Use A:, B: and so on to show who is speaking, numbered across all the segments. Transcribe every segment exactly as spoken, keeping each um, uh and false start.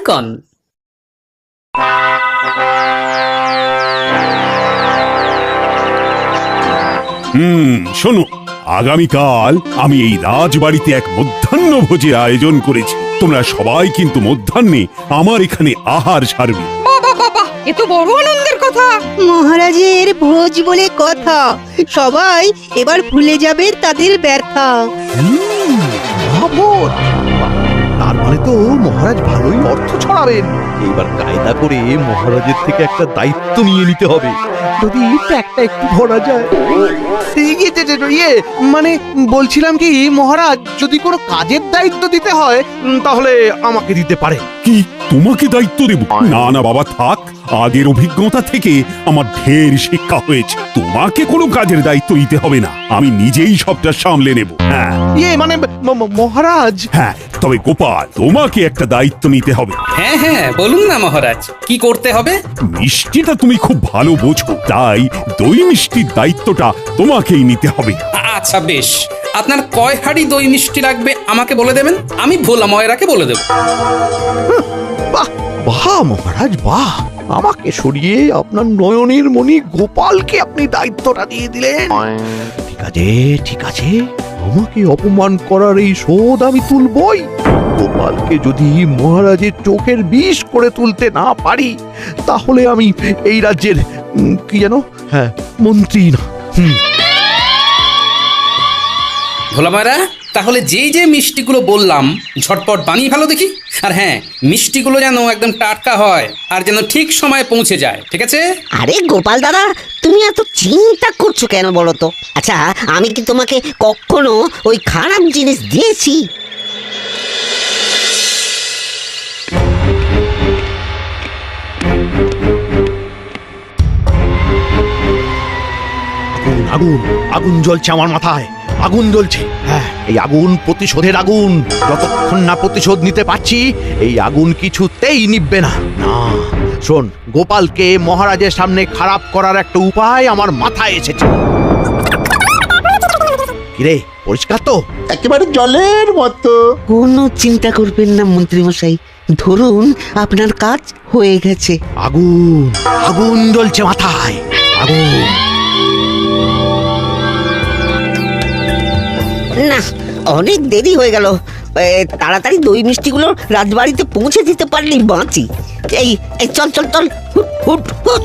A: কন।
B: হুম, শোনো, আগামীকাল আমি এই রাজবাড়িতে এক মধ্যাহ্ন ভোজের আয়োজন করেছি। তোমরা সবাই কিন্তু মধ্যাহ্নে আমার এখানে আহার সারবে।
C: বাবা বাবা, এ তো বড় আনন্দের কথা।
D: মহারাজের ভোজ বলে কথা, সবাই এবার ভুলে যাবে তাদের ব্যথা।
E: মহাভোজ! তার মানে তো মহারাজ ভালোই অর্থ ছড়াবেন। এইবার কায়দা করে মহারাজের থেকে একটা দায়িত্ব নিয়ে নিতে হবে, যদি একটা একটু ধরা যায়। ইয়ে, যে, যে, ইয়ে মানে বলছিলাম কি মহারাজ, যদি কোনো কাজের দায়িত্ব দিতে হয় উম, তাহলে আমাকে দিতে পারে।
B: কি তোমাকে দায়িত্ব দেব? না না বাবা, থাক। আগের অভিজ্ঞতা থেকে আমার ঢের শিক্ষা হয়েছে। তোমাকে কোনো কাজের দায়িত্ব দিতে হবে না, আমি নিজেই সবটা সামলে নেব। হ্যাঁ
E: ইয়ে মানে ম- ম- মহারাজ,
B: হ্যাঁ, তবে গোপাল, তোমাকে একটা দায়িত্ব নিতে হবে।
A: হ্যাঁ হ্যাঁ, বলুন না মহারাজ, কি করতে হবে?
B: মিষ্টিটা তুমি খুব ভালো বোঝো, তাই দই মিষ্টির দায়িত্বটা তোমাকেই নিতে হবে।
A: আ- আচ্ছা বেশ, আপনার কয় হাঁড়ি দই মিষ্টি লাগবে আমাকে বলে দেবেন, আমি ভোলা ময়রাকে বলে দেব।
E: বাহ বাহ মহারাজ বাহ, আমাকে সরিয়ে আপনার নয়নের মণি গোপালকে আপনি দায়িত্বটা দিয়ে দিলেন। ঠিক আছে ঠিক আছে, আমাকে অপমান করার এই শোধ আমি তুলবই। গোপালকে যদি মহারাজের চোখের বিষ করে তুলতে না পারি, তাহলে আমি এই রাজ্যের উম, কি যেন, হ্যাঁ, মন্ত্রী না। হুম
A: ভোলা ময়রা, তাহলে যেই যে মিষ্টিগুলো বললাম ঝটপট বানিয়ে ভালো দেখি। আর হ্যাঁ, মিষ্টিগুলো যেন একদম টাটকা হয় আর যেন ঠিক সময়ে পৌঁছে যায়, ঠিক আছে?
F: আরে গোপাল দাদা, তুমি এত চিন্তা করছো কেন বলো তো? আচ্ছা, আমি কি তোমাকে কখনো ওই খারাপ জিনিস দিয়েছি?
E: আগুন আগুন জ্বলছে আমার মাথায়, আগুন জ্বলছে। হ্যাঁ, এই আগুন প্রতিশোধের আগুন। যতক্ষণ না প্রতিশোধ নিতে পারছি, এই আগুন কিছুতেই নিভবে না। না, শোন, গোপালকে মহারাজের সামনে খারাপ করার একটা উপায় আমার মাথায় এসেছে। কিরে, পরিষ্কার তো?
G: একেবারে জলের মতো।
F: কোনো চিন্তা করবেন না মন্ত্রী মশাই, ধরুন আপনার কাজ হয়ে গেছে।
E: আগুন আগুন জ্বলছে মাথায়, আগুন।
F: না, অনেক দেরি হয়ে গেল। এ, তাড়াতাড়ি দই মিষ্টিগুলো রাজবাড়িতে পৌঁছে দিতে পারলেই বাঁচি। এই এই চল চল চল, হুট হুট হুট।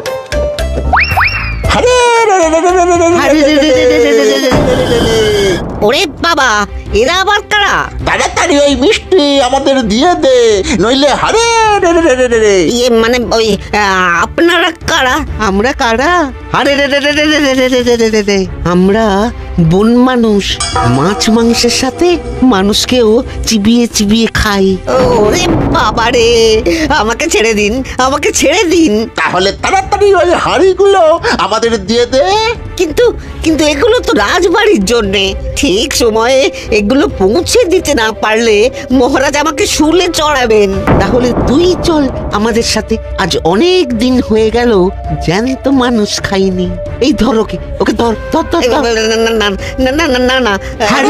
G: আরে রে রে রে রে রে রে রে
F: আরে রে রে রে রে রে রে রে রে রে রে রে। ওরে বাবা, এরা আবার কারা?
G: তাড়াতাড়ি ওই মিষ্টি আমাদের দিয়ে দে, নইলে হারে রে রে রে রে রে রে।
F: ইয়ে মানে ওই আ, আপনারা কারা?
D: আমরা কারা?
F: আরে রে রে রে রে রে রে রে রে রে রে রে। আমরা বন মানুষ, মাছ মাংসের সাথে মানুষকেও চিবিয়ে চিবিয়ে খাই। ওরে বাবা রে, আমাকে ছেড়ে দিন, আমাকে ছেড়ে দিন।
G: তাহলে তাড়াতাড়ি ওই হাঁড়িগুলো আমাদের দিয়ে দে।
F: কিন্তু কিন্তু এগুলো তো রাজবাড়ির জন্যে, ঠিক সময়ে এগুলো পৌঁছে দিতে না পারলে মহারাজ আমাকে শুলে চড়াবেন। তাহলে তুই চল আমাদের সাথে, আজ অনেক দিন হয়ে গেল জ্যান্ত মানুষ খাইনি। এই ধর ওকে, ওকে ধর ধর ধর ধর। না না না না না না।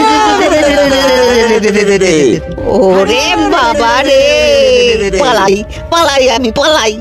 F: ওরে বাবা রে, পালাই পালাই আমি পালাই।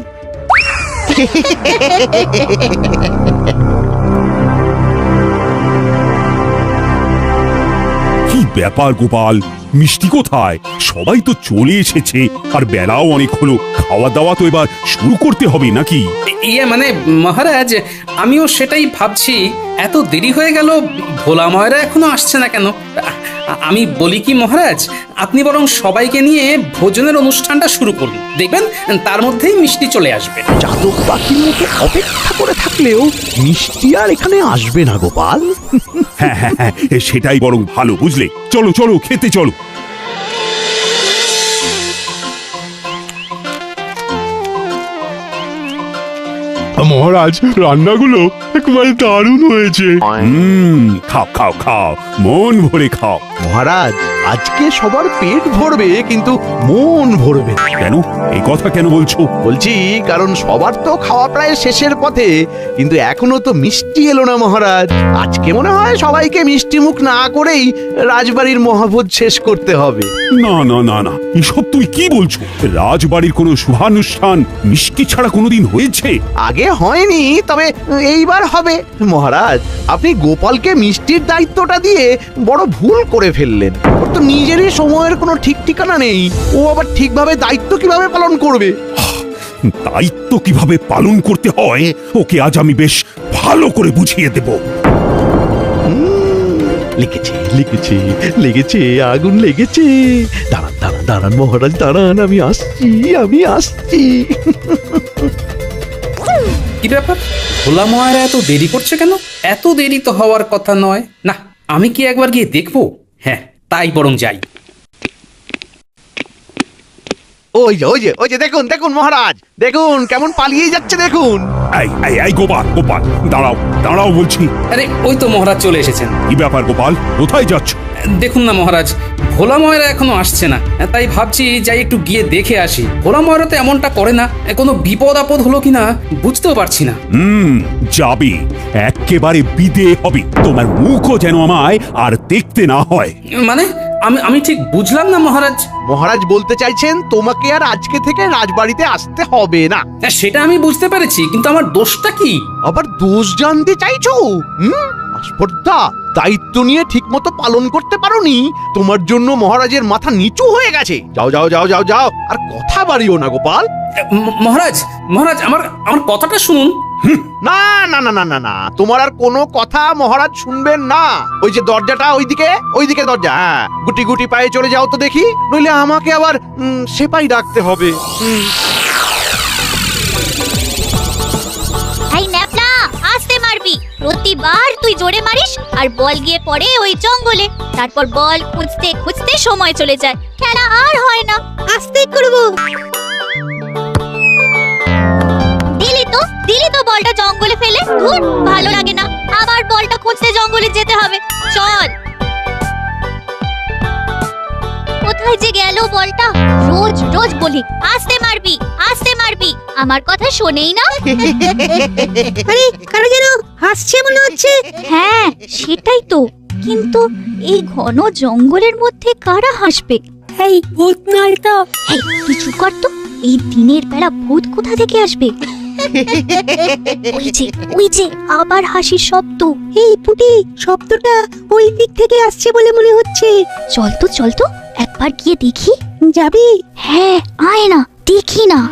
B: কি ব্যাপার গোপাল, মিষ্টি কোথায়? সবাই তো চলে এসেছে, আর বেলাও অনেক হলো। খাওয়া দাওয়া তো এবার শুরু করতে হবে নাকি?
A: ইয়ে মানে মহারাজ, আমিও সেটাই ভাবছি, এত দেরি হয়ে গেল, ভোলা ময়রা এখনো আসছে না কেন? আ- আমি বলি কি মহারাজ, আপনি বরং সবাইকে নিয়ে ভোজনের অনুষ্ঠানটা শুরু করুন, দেখবেন তার মধ্যেই মিষ্টি চলে আসবে।
E: চাতক পাখির মতো অপেক্ষা করে থাকলেও মিষ্টি আর এখানে আসবে না গোপাল।
B: হ্যাঁ হ্যাঁ হ্যাঁ, সেটাই বরং ভালো, বুঝলে? চলো চলো, খেতে চলো।
H: মহারাজ, রান্নাগুলো একেবারে দারুণ হয়েছে।
B: হুম, খাও খাও খাও, মন ভরে খাও।
E: মহারাজ, আজকে সবার পেট ভরবে কিন্তু মন ভরবে না।
B: কেন এই কথা কেন বলছো?
E: বলছি কারণ সবার তো খাওয়া প্রায় শেষের পথে, কিন্তু এখনো তো মিষ্টি এলো না মহারাজ। আজকে মনে হয় সবাইকে মিষ্টি মুখ না করেই রাজবাড়ির মহাভোজ শেষ করতে হবে।
B: না না না না, এসব তুই কি বলছো? রাজবাড়ির কোনো শুভানুষ্ঠান মিষ্টি ছাড়া কোনোদিন হয়েছে?
E: আগে হয়নি, তবে এইবার হবে। মহারাজ, আপনি গোপালকে মিষ্টির দায়িত্বটা দিয়ে বড় ভুল করে ফেললেন। ওর তো নিজেরই সময়ের কোনো ঠিক ঠিকানা নেই, ও আবার ঠিকভাবে দায়িত্ব কিভাবে পালন করবে?
B: দায়িত্ব কিভাবে পালন করতে হয় ওকে আজ আমি বেশ ভালো করে বুঝিয়ে দেব।
E: লিখেছে লিখেছে লেগেছে, আগুন লেগেছে। দাঁড়ান দাঁড়ান দাঁড়ান মহারাজ, দাঁড়ান, আমি আসছি আমি আসছি
A: কি ব্যাপার, ভোলা ময়রা এত দেরি করছে কেন? এত দেরি তো হওয়ার কথা নয়। না, আমি কি একবার গিয়ে দেখবো? হ্যাঁ, তাই বরং যাই।
E: ওই যে ওই যে ওই যে দেখুন দেখুন মহারাজ, দেখুন কেমন পালিয়ে যাচ্ছে দেখুন।
B: এই এই এই গোপাল গোপাল দাঁড়াও দাঁড়াও বলছি।
A: আরে ওই তো মহারাজ চলে এসেছেন।
B: কি ব্যাপার গোপাল, কোথায় যাচ্ছ?
A: দেখুন না মহারাজ, ভোলা ময়রা এখনো আসছে না, তাই ভাবছি যাই একটু গিয়ে দেখে আসি। ভোলা ময়রা তো এমনটা করে না, কোনো বিপদ আপদ হলো কিনা বুঝতেও পারছি না।
B: হুম, যাবে, একেবারে বিদে হবে। তোমার মুখও যেন আমায় আর দেখতে না হয়।
A: মানে আমি আমি ঠিক বুঝলাম না মহারাজ।
E: মহারাজ বলতে চাইছেন তোমাকে আর আজকে থেকে রাজবাড়িতে আসতে হবে না।
A: সেটা আমি বুঝতে পেরেছি, কিন্তু আমার দোষটা কি?
E: আবার দোষ জানতে চাইছো? হুম, আস্পর্ধা, দায়িত্ব নিয়ে ঠিক মতো পালন করতে পারোনি, তোমার জন্য মহারাজের মাথা নিচু হয়ে গেছে। যাও যাও যাও যাও যাও, আর কথা বাড়িও না গোপাল।
A: ম- মহারাজ মহারাজ আমার আমার কথাটা শুনুন।
E: না না না না না না, তোমার আর কোনো কথা মহারাজ শুনবেন না। ওই যে দরজাটা ওইদিকে, ওইদিকে দরজা, হ্যাঁ, গুটি গুটি পায়ে চলে যাও তো দেখি, নইলে আমাকে আবার উম, সেপাই ডাকতে হবে। হুম।
I: এই ন্যাপলা, আস্তে মারবি। প্রতিবার তুই জোরে মারিস আর বল গিয়ে পড়ে ওই জঙ্গলে। তারপর বল খুঁজতে খুঁজতে সময় চলে যায়, খেলা আর হয় না।
D: আস্তে করব।
I: দিলি তো দিলি তো বলটা জঙ্গলে ফেলে। ধুর, ভালো লাগে না, আবার বলটা খুঁজতে জঙ্গলে যেতে হবে। চল, কোথায় যে গেল বলটা? রোজ রোজ বলি আস্তে মারবি আস্তে মারবি, আমার কথা শোনেই না।
D: আরে কারা যেন হাসছে মনে হচ্ছে।
I: হ্যাঁ, সেটাই তো, কিন্তু এই ঘন জঙ্গলের মধ্যে কারা হাসবে?
D: এই ভূত নয় তো?
I: এই, তুই চুপ কর তো। এই দিনের বেলা ভূত কোথা থেকে আসবে? ওই যে ওই যে আবার হাসির শব্দ।
D: এই পুটি, শব্দটা ওই দিক থেকে আসছে বলে মনে হচ্ছে।
I: চল তো চল তো, একবার গিয়ে দেখি।
D: যাবি?
I: হ্যাঁ, আয় না, দেখি না।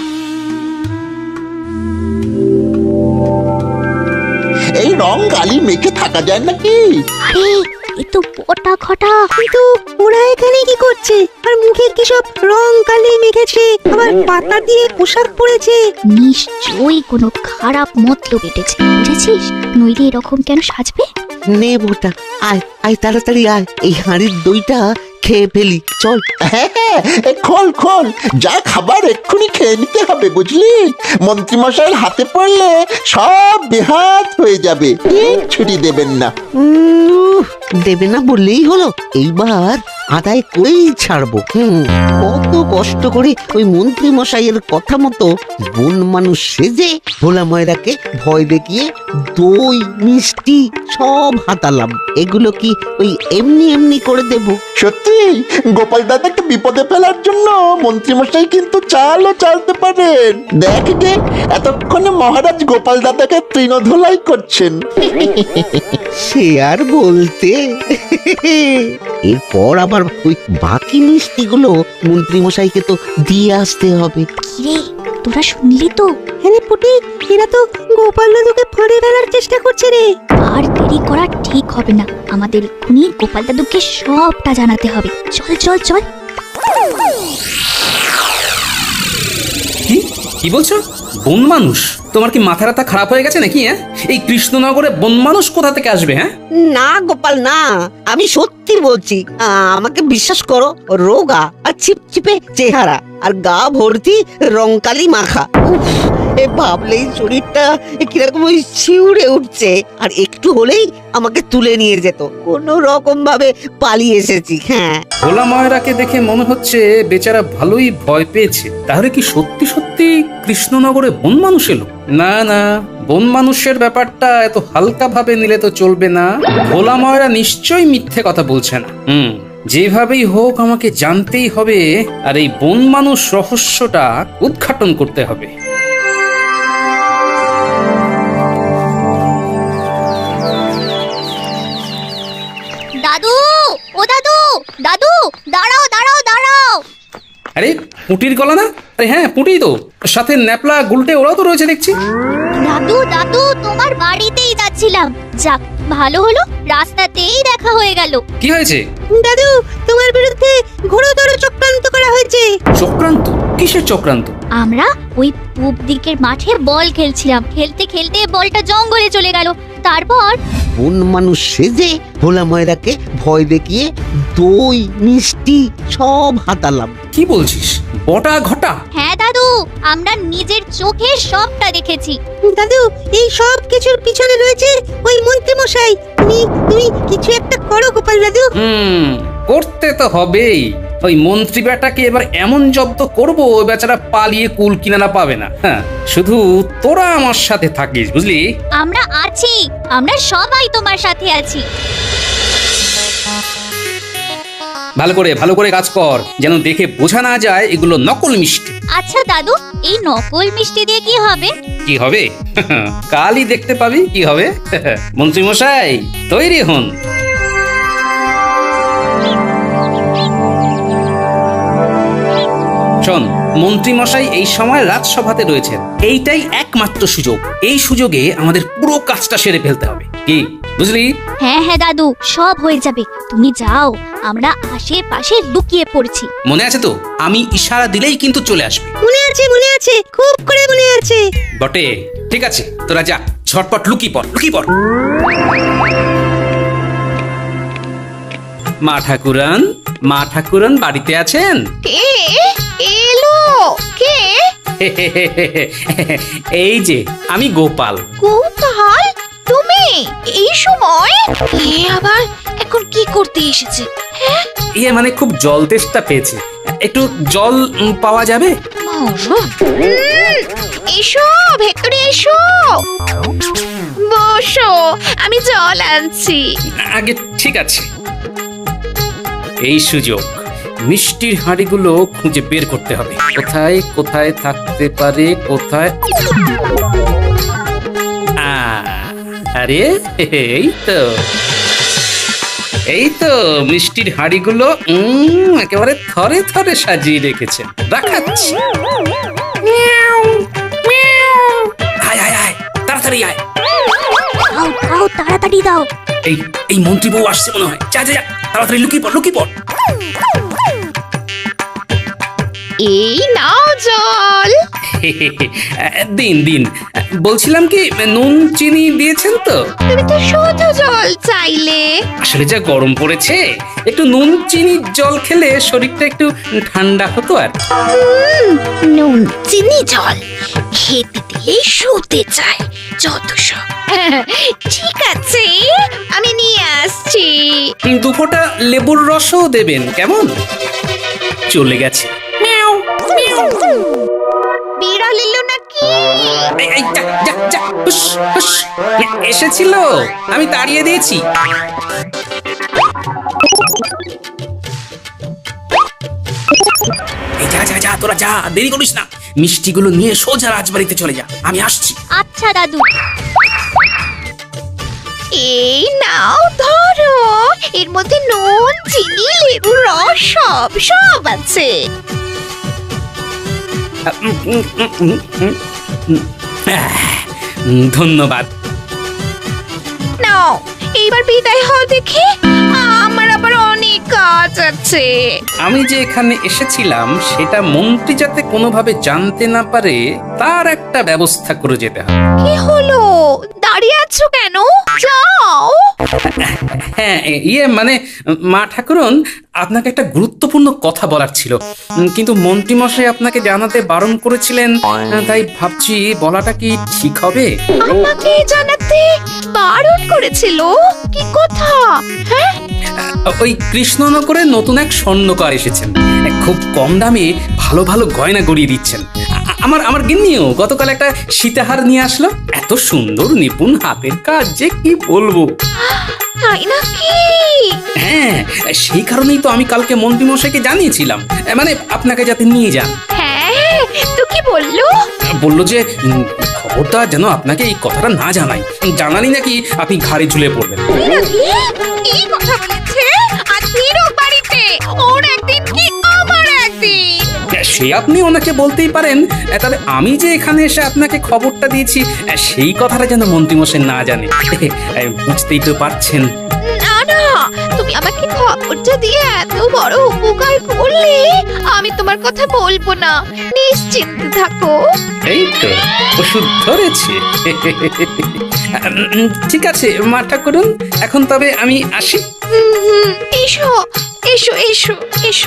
G: এই রং গালি মেখে থাকা যায় নাকি?
I: আরে, এ তো বটা ঘটা।
D: কিন্তু ওরা এখানে কি করছে? আর মুখে কি সব রং কালি মেখেছে, আবার পাতা দিয়ে পোশাক পরেছে।
I: নিশ্চয়ই কোনো খারাপ মতলব এটেছে, বুঝেছিস? নইলে এরকম কেন সাজবে?
F: নে ভোটা, আয় আয় তাড়াতাড়ি আয়, এই হাঁড়ির দইটা খেয়ে ফেলি, চল।
G: হ্যাঁ হ্যাঁ, এ খোল খোল, যা খাবার এক্ষুনি খেয়ে নিতে হবে, বুঝলি? মন্ত্রীমশাইয়ের হাতে পড়লে সব বেহাত হয়ে যাবে, ছুটি দেবেন না।
F: উম, দেবে না বললেই হলো, এইবার আদায় করেই ছাড়বো। হুম, কত কষ্ট করে ওই মন্ত্রী মশাইয়ের কথা মতো বন মানুষ সেজে ভোলা ময়রাকে ভয় দেখিয়ে দই মিষ্টি সব হাতালাম। এগুলো কি ওই এমনি এমনি করে দেব?
G: সত্যি গোপাল দাদাকে বিপদে ফেলার জন্য মন্ত্রীমশাই কিন্তু চালও চালতে পারেন। দেখ গে, এতক্ষণে মহারাজ গোপাল দাদাকে তৃণধোলাই করছেন।
F: সে আর বলতে। এরপর আবার ওই বাকি মিষ্টিগুলো মন্ত্রী মশাইকে তো দিয়ে আসতে হবে।
I: কিরে, তোরা শুনলি তো?
D: হ্যাঁ পুটি, এরা তো গোপাল দাদুকে ফাঁড়ে ফেলার চেষ্টা করছে রে।
I: আর দেরি করা ঠিক হবে না, আমাদের এক্ষুনি গোপাল দাদুকে সবটা জানাতে হবে। চল চল চল।
A: কি কি বলছো? বন মানুষ? তোমার কি মাথা রাতা খারাপ হয়ে গেছে নাকি? হ্যাঁ, এই কৃষ্ণনগরে বন মানুষ কোথা থেকে আসবে? হ্যাঁ,
F: না গোপাল না, আমি সত্যি বলছি। আ, আমাকে বিশ্বাস করো, রোগা আর ছিপছিপে চেহারা আর গা ভর্তি রংকালি মাখা। উফ, এ ভাবলেই শরীরটা কিরকম ওই শিউরে উঠছে। আর একটু হলেই আমাকে তুলে নিয়ে যেত, কোনো রকম ভাবে পালিয়ে এসেছি। হ্যাঁ,
A: ভোলা ময়রাকে দেখে মনে হচ্ছে বেচারা ভালোই ভয় পেয়েছে। তাহলে কি সত্যি সত্যি কৃষ্ণনগরে বন মানুষ এলো? না না, বন মানুষের ব্যাপারটা এত হালকা ভাবে নিলে তো চলবে না। ভোলা ময়রা নিশ্চয়ই মিথ্যে কথা বলছে না। হুম, যেভাবেই হোক আমাকে জানতেই হবে, আর এই বন মানুষ রহস্যটা উদ্ঘাটন করতে হবে।
I: দাদু, ও দাদু, দাদু, দাঁড়াও দাঁড়াও দাঁড়াও।
A: আরে পুটির গলা না? আরে হ্যাঁ, পুটি তো, সাথে ন্যাপলা গুলটে ওরাও তো রয়েছে দেখছি।
I: দাদু দাদু, তোমার বাড়িতেই যাচ্ছিলাম। যাক, ভালো হলো, রাস্তাতেই দেখা হয়ে গেল।
A: কি হয়েছে?
D: দাদু, তোমার বিরুদ্ধে ঘোরতর চক্রান্ত করা হয়েছে।
A: চক্রান্ত? কিসের চক্রান্ত?
I: আমরা ওই পূব দিকের মাঠে বল খেলছিলাম, খেলতে খেলতে বলটা জঙ্গলে চলে গেল। তারপর
F: বন মানুষ সেজে ভোলা ময়রাকে ভয় দেখিয়ে দই মিষ্টি সব হাতালাম।
A: কি বলছিস? বটা ঘটা?
I: হ্যাঁ দাদু, আমরা নিজের চোখে সবটা দেখেছি।
D: দাদু, এই সব কিছুর পিছনে রয়েছে ওই মন্ত্রী মশাই। তুমি তুমি কিছু একটা করো গোপাল দাদু।
A: হুম, করতে তো হবেই। ওই মন্ত্রী বেটাকে এবার এমন জব্দ করবো, ওই বেচারা পালিয়ে কুল কিনারা পাবে না। হ্যাঁ, শুধু তোরা আমার সাথে থাকিস, বুঝলি?
I: আমরা আছি, আমরা সবাই তোমার সাথে আছি।
A: ভালো করে ভালো করে কাজ কর, যেন দেখে বোঝা না যায় এগুলো নকল মিষ্টি।
I: আচ্ছা দাদু, এই নকল মিষ্টি দিয়ে কি হবে?
A: কি হবে? কালই দেখতে পাবি কি হবে। মন্ত্রী মশাই তৈরি হন। শোন, মন্ত্রী মশাই এই সময় রাজসভাতে রয়েছেন। এইটাই একমাত্র সুযোগ। এই সুযোগে আমাদের পুরো কাজটা সেরে ফেলতে হবে। কি বুঝলি?
I: হ্যাঁ হ্যাঁ দাদু, সব হয়ে যাবে। তুমি যাও, আমরা আশেপাশে লুকিয়ে পড়ছি।
A: মনে আছে তো? আমি ইশারা দিলেই কিন্তু চলে আসবে।
D: মনে আছে মনে আছে, খুব করে মনে আছে।
A: বটে, ঠিক আছে, তোরা যা, ঝটপট লুকি পড়, লুকি পড়। মা ঠাকুরান, মা ঠাকুরান বাড়িতে আছেন?
C: কে এলো? কে?
A: এই যে আমি গোপাল।
C: কৌতূহল, তুমি এই সময়? কে আবার এখন কি করতে এসেছে? হ্যাঁ,
A: ইয়ে মানে খুব জল তেষ্টা পেয়েছে, একটু জল উম, পাওয়া যাবে?
C: উম, এসো ভেতরে এসো, বসো, আমি জল আনছি।
A: আগে ঠিক আছে। এই সুযোগ, মিষ্টির হাঁড়িগুলো খুঁজে বের করতে হবে। কোথায় কোথায় থাকতে পারে, কোথায়? আ, আরে এই তো, এই তো মিষ্টির হাঁড়িগুলো উম, একেবারে থরে থরে সাজিয়ে রেখেছে। রাখাচ্ছি। আয় আয় আয়, তাড়াতাড়ি আয়।
I: দাও দাও, তাড়াতাড়ি দাও।
A: এই এই মন্ত্রী বউ আসছে মনে হয়। যা যা যা, তাড়াতাড়ি লুকিয়ে পড়, লুকিয়ে পড়।
C: এই নাও জল।
A: দিন দিন, বলছিলাম কি, নুন চিনি দিয়েছেন তো?
C: তুমি তো শুধু জল চাইলে।
A: আসলে যা গরম পড়েছে, একটু নুন চিনি জল খেলে শরীরটা একটু ঠান্ডা হতো। আর
C: নুন চিনি জল খেতে দিয়ে শুতে চায় যত সব। ঠিক আছে, আমি নিয়ে আসছি।
A: দু ফোঁটা লেবুর রসও দেবেন, কেমন? চলে গেছে।
C: বিড়াল এলো নাকি?
A: এই, এই, যা, যা, যা, হুস, হুস। এসেছিল, আমি তাড়িয়ে দিয়েছি। এই যা যা যা, তোরা যা, দেরি করিস না। মিষ্টিগুলো নিয়ে সোজা রাজবাড়িতে চলে যা, আমি আসছি।
I: আচ্ছা দাদু।
C: এই নাও ধরো, এর মধ্যে নুন চিনি লেবুর রস সব সব আছে।
A: উম, উম, উম, উম, উম, উম। আহ, ধন্যবাদ।
C: নাও, এইবার বিদায় হও দেখি, আমার আবার অনেক কাজ আছে।
A: আমি যে এখানে এসেছিলাম সেটা মন্ত্রী যাতে কোনোভাবে জানতে না পারে, তার একটা ব্যবস্থা করে যেতে হবে।
C: কি হলো? দাঁড়িয়ে আছো যাচ্ছ কেন? যাও।
A: হ্যাঁ এ- ইয়ে মানে মা ঠাকুরন, আপনাকে একটা গুরুত্বপূর্ণ কথা বলার ছিল, উম, কিন্তু মন্ত্রীমশাই আপনাকে জানাতে বারণ করেছিলেন, আহ, তাই ভাবছি বলাটা কি ঠিক হবে?
C: আমাকে জানাতে বারণ করেছিল? কি কথা? হ্যাঁ,
A: ওই কৃষ্ণনগরে নতুন এক স্বর্ণকার এসেছেন, খুব কম দামে ভালো ভালো গয়না গড়িয়ে দিচ্ছেন। আ- আমার আমার গিন্নিও গতকাল একটা সীতাহার নিয়ে আসলো, এত সুন্দর নিপুণ হাতের কাজ যে কি বলবো।
C: তাই নাকি?
A: হ্যাঁ, সেই কারণেই তো আমি কালকে মন্ত্রীমশাইকে জানিয়েছিলাম, এ, মানে আপনাকে যাতে নিয়ে যান।
C: হ্যাঁ, তো কি বললো?
A: বললো যে উম, খবরদার যেন আপনাকে এই কথাটা না জানাই, জানালি নাকি আপনি ঘাড়ে ঝুলে পড়বেন।
C: কি কথা বলেছে? আজ ফিরো বাড়িতে, ওর একদিন কি আমার একদিন।
A: সে আপনি ওনাকে বলতেই পারেন, তবে আমি যে এখানে এসে আপনাকে খবরটা দিয়েছি সেই কথাটা যেন মন্ত্রীমশাই না জানে। বুঝতেই তো পারছেন।
C: না না, তুমি আমাকে খবরটা দিয়ে এত বড় উপকার করলে, আমি তোমার কথা বলবো না, নিশ্চিন্ত থাকো।
A: এই তো ওষুধ ধরেছে। উম, ঠিক আছে মা ঠাকুরন, এখন তবে আমি আসি।
C: হুম, হুম, এসো এসো এসো এসো।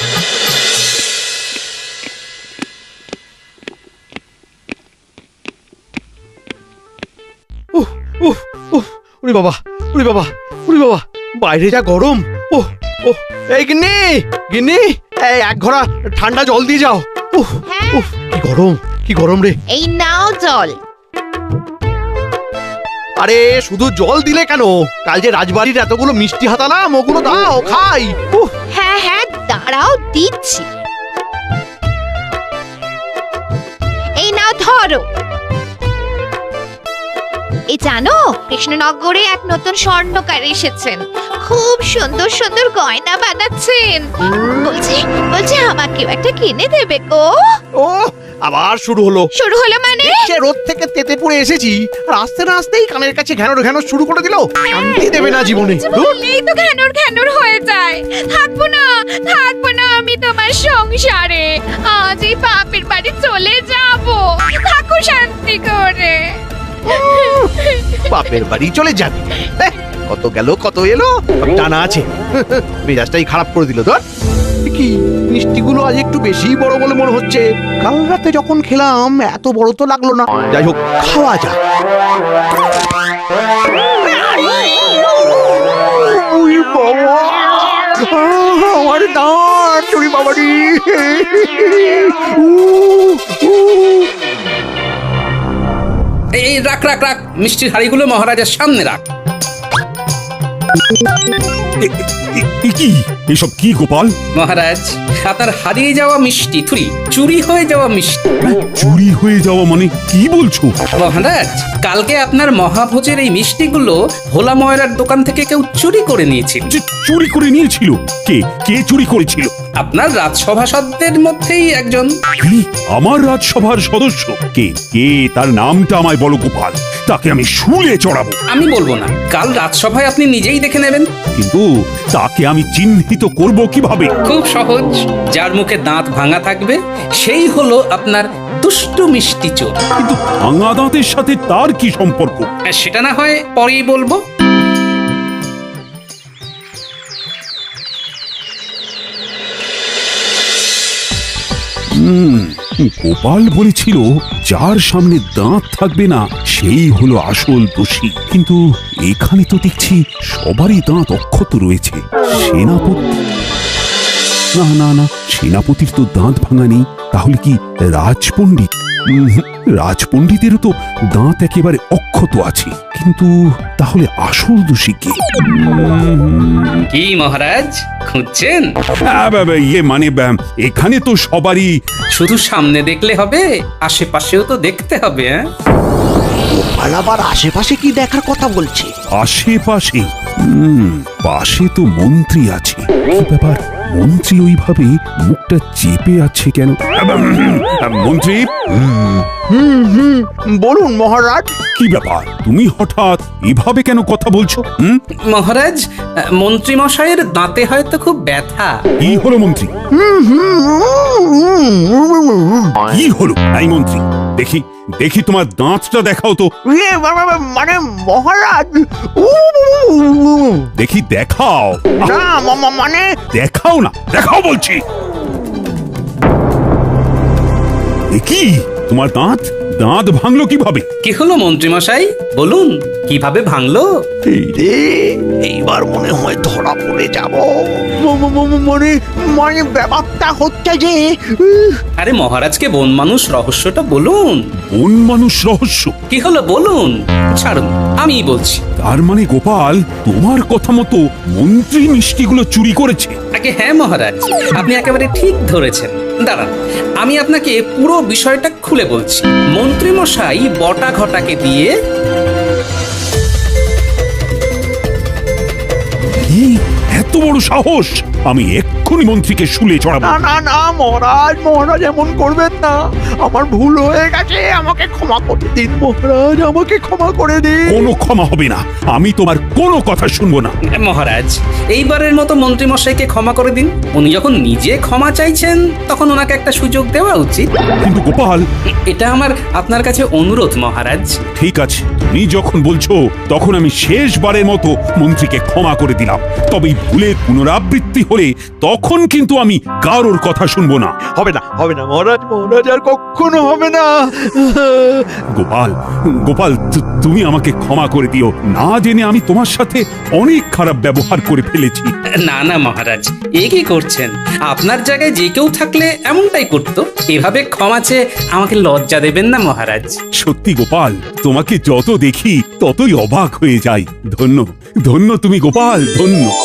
E: উহ উহ উহ উরি বাবা উরি বাবা উরি বাবা, বাইরে যা গরম। ওহ ওহ এই গিন্নি গিন্নি, এই এক ঘোড়া ঠান্ডা জল দিয়ে যাও। উহ উহ কি গরম, কি গরম রে।
C: এই নাও জল।
E: আরে শুধু জল দিলে কেন? কাল যে রাজবাড়ির এতগুলো মিষ্টি হাতালাম, ওগুলো দাও খাই। উহ
C: হ্যাঁ হ্যাঁ, দাঁড়াও দিচ্ছি। এই নাও ধরো। এই জানো, কৃষ্ণনগরে এক নতুন স্বর্ণকার এসেছেন, খুব সুন্দর সুন্দর গয়না বানাচ্ছেন। বলছি বলছি আমাকেও একটা কিনে দেবে গো।
E: ও আবার শুরু হলো।
C: শুরু হলো মানে?
E: সে রোদ থেকে তেতে পড়ে এসেছি, আর আসতে না আসতেই কানের কাছে ঘ্যানোর ঘ্যানোর শুরু করে দিল। শান্তি দেবে না জীবনে। ধুর।
C: বললেই তো ঘ্যানোর ঘ্যানোর হয়ে যায়। থাকবো না থাকবো না আমি তোমার সংসারে, আজ এই বাপের বাড়ি চলে যাব। থাকো শান্তি করে।
E: বাপের বাড়ি চলে যাবি? এহ, কত গেল কত এলো, সব টানা আছে। মেজাজটাই খারাপ করে দিল। ধর কি মিষ্টিগুলো আজ একটু বেশি বড় বলে মনে হচ্ছে। কাল রাতে যখন খেলাম এত বড় তো লাগলো না। যাই হোক, খাওয়া যাক। ওই বাবা, আহ, আমার দাঁত, চুরি বাবারি।
A: এই এই, রাখ রাখ রাখ, মিষ্টির হাড়িগুলো মহারাজের সামনে রাখ।
B: এ- এ- এ কি এসব কি গোপাল?
A: মহারাজ, আপনার হারিয়ে যাওয়া মিষ্টি থুরি চুরি হয়ে যাওয়া মিষ্টি।
B: চুরি হয়ে যাওয়া মানে কি বলছো?
A: মহারাজ, কালকে আপনার মহাভোজের এই মিষ্টিগুলো ভোলা ময়রার দোকান থেকে কেউ চুরি করে নিয়েছিল।
B: যে চুরি করে নিয়েছিল? কে কে চুরি করেছিল?
A: আপনার রাজসভাসদের মধ্যেই একজন।
B: কি? আমার রাজসভার সদস্য? কে কে তার নামটা আমায় বলো গোপাল, তাকে আমি শুলে চড়াবো।
A: আমি বলবো না, কাল রাজসভায় আপনি নিজেই দেখে নেবেন।
B: কিন্তু তাকে আমি চিহ্নিত করব কিভাবে?
A: খুব সহজ, যার মুখে দাঁত ভাঙা থাকবে সেই হলো আপনার দুষ্টু মিষ্টি চোর।
B: কিন্তু ভাঙা দাঁতের সাথে তার কি সম্পর্ক?
A: সেটা না হয় পরেই বলবো।
B: হুম, গোপাল বলেছিল যার সামনে দাঁত থাকবে না সেই হলো আসল দোষী। কিন্তু এখানে তো দেখছি সবারই দাঁত অক্ষত রয়েছে। সেনাপতি? না না না, সেনাপতির তো দাঁত ভাঙা নেই। তাহলে কি রাজপণ্ডিত? উম, রাজপণ্ডিতেরও তো দাঁত একেবারে অক্ষত আছে। কিন্তু তাহলে আসল দোষী কে? উম,
A: কি মহারাজ, খুঁজছেন?
B: আ, বা, বা, ইয়ে মানে বা, এখানে তো সবারই।
A: শুধু সামনে দেখলে হবে, আশেপাশেও তো দেখতে হবে। হ্যাঁ,
E: গোপাল আবার আশেপাশে কি দেখার কথা বলছে?
B: আশেপাশে? হুম, পাশে তো মন্ত্রী আছে। কি ব্যাপার, মন্ত্রী ওইভাবে মুখটা চেপে আছে কেন? আহ, মন্ত্রী,
E: হুম হুম বলুন মহারাজ।
B: কি ব্যাপার, তুমি হঠাৎ এভাবে কেন কথা বলছো? হুম,
A: মহারাজ, মন্ত্রী মশাইয়ের দাঁতে হয়তো খুব ব্যথা।
B: কি হলো মন্ত্রী? কি হলো? এই মন্ত্রী, দেখি দেখি তোমার দাঁতটা দেখাও তো।
E: ইয়ে, মা- মা- মা- মানে মহারাজ উ,
B: দেখি দেখাও।
E: না মা- মা- মানে
B: দেখাও না, দেখাও বলছি। এ কি তোমার দাঁত দাঁত ভাঙলো কিভাবে?
A: কি হলো মন্ত্রীমশাই, বলুন কিভাবে ভাঙলো?
E: এই রে, এইবার মনে হয় ধরা পড়ে যাব। ম- ম- ম- মানে মানে ব্যাপারটা হচ্ছে যে উহ,
A: আরে মহারাজকে বন মানুষ রহস্যটা বলুন।
B: বন মানুষ রহস্য?
A: কি হলো বলুন। ছাড়ুন, আমিই বলছি।
B: তার মানে গোপাল তোমার কথা মতো মন্ত্রী মিষ্টিগুলো চুরি করেছে?
A: আগে হ্যাঁ মহারাজ, আপনি একেবারে ঠিক ধরেছেন। দাঁড়ান, আমি আপনাকে পুরো বিষয়টা খুলে বলছি। মন্ত্রীমশাই বটা ঘটাকে দিয়ে
B: কি এত বড় সাহস! আমি এক্ষুনি মন্ত্রীকে শুলে চড়াবো।
E: না না না মহারাজ, মহারাজ এমন করবেন না। আমার ভুল হয়ে গেছে, আমাকে ক্ষমা করে দিন মহারাজ, আমাকে ক্ষমা করে দিন।
B: কোনো ক্ষমা হবে না, আমি তোমার কোনো কথা শুনবো না।
A: মহারাজ এইবারের মতো মন্ত্রীমশাইকে ক্ষমা করে দিন। উনি যখন নিজে ক্ষমা চাইছেন তখন ওনাকে একটা সুযোগ দেওয়া উচিত।
B: কিন্তু গোপাল,
A: এটা আমার আপনার কাছে অনুরোধ মহারাজ।
B: ঠিক আছে, তুমি যখন বলছো তখন আমি শেষবারের মতো মন্ত্রীকে ক্ষমা করে দিলাম। তবে এই ভুলের পুনরাবৃত্তি হলে তখন কিন্তু আমি কারোর কথা শুনবো না।
E: হবে না, হবে না মহারাজ, মহারাজ আর কখনো হবে না।
B: গোপাল, গোপাল তু- তুমি আমাকে ক্ষমা করে দিও। না জেনে আমি তোমার সাথে অনেক খারাপ ব্যবহার করে ফেলেছি।
A: না না মহারাজ, এ কি করছেন? আপনার জায়গায় যে কেউ থাকলে এমনটাই করতো। এভাবে ক্ষমা চেয়ে আমাকে লজ্জা দেবেন না মহারাজ।
B: সত্যি গোপাল, তোমাকে যত দেখি ততই অবাক হয়ে যাই। ধন্য ধন্য তুমি গোপাল, ধন্য।